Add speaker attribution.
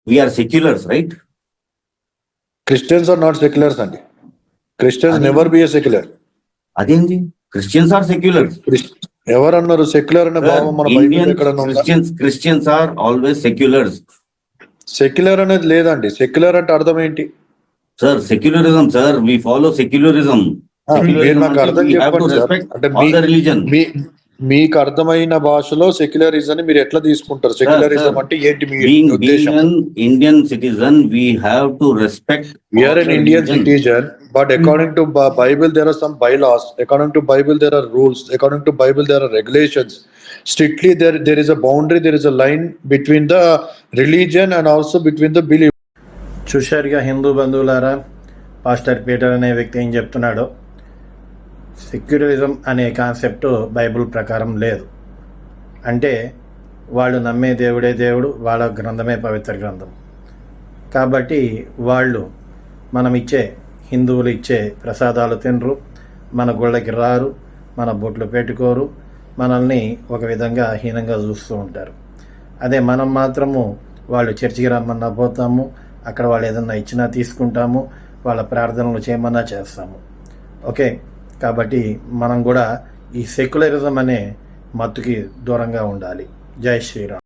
Speaker 1: We are seculars, right?
Speaker 2: Christians are not seculars అండి. Christians never be a secular.
Speaker 1: అదేంటి? Christians are seculars.
Speaker 2: ఎవరన్నారు secular అనే భావం మన బైబిల్ ఎక్కడ ఉందా?
Speaker 1: Christians are always seculars.
Speaker 2: Secular అనేది లేదండి. సెక్యులర్ అంటే అర్థం ఏంటి
Speaker 1: sir? Secularism sir, we follow secularism.
Speaker 2: మీరు నాకు అర్థం చెప్పండి సార్. అంటే మీకు అర్థమైన భాషలో సెక్యులరిజం అని మీరు ఎట్లా తీసుకుంటారు? సెక్యులరిజం అంటే ఏంటి మీ ఉద్దేశం?
Speaker 1: Indian citizen, we have to respect.
Speaker 2: We are an Indian citizen, but according to Bible there are some bylaws. According to Bible there are rules. According to Bible there are regulations. Strictly there is a boundary, there is a line between the religion and also between the belief.
Speaker 3: చూశారుగా Hindu బంధువులారా, pastor Peter అనే వ్యక్తి ఏం చెప్తున్నాడో. Secularism అనే concept Bible ప్రకారం లేదు. అంటే వాళ్ళు నమ్మే దేవుడే దేవుడు, వాళ్ళ గ్రంథమే పవిత్ర గ్రంథం. కాబట్టి వాళ్ళు మనం ఇచ్చే, హిందువులు ఇచ్చే ప్రసాదాలు తినరు, మన గుళ్ళకి రారు, మన బొట్లు పెట్టుకోరు, మనల్ని ఒక విధంగా హీనంగా చూస్తూ ఉంటారు. అదే మనం మాత్రము వాళ్ళు చర్చికి రమ్మన్నా పోతాము, అక్కడ వాళ్ళు ఏదన్నా ఇచ్చినా తీసుకుంటాము, వాళ్ళ ప్రార్థనలు చేయమన్నా చేస్తాము. ఓకే, కాబట్టి మనం కూడా ఈ సెక్యులరిజం అనే మత్తుకి దూరంగా ఉండాలి. జై శ్రీరామ్.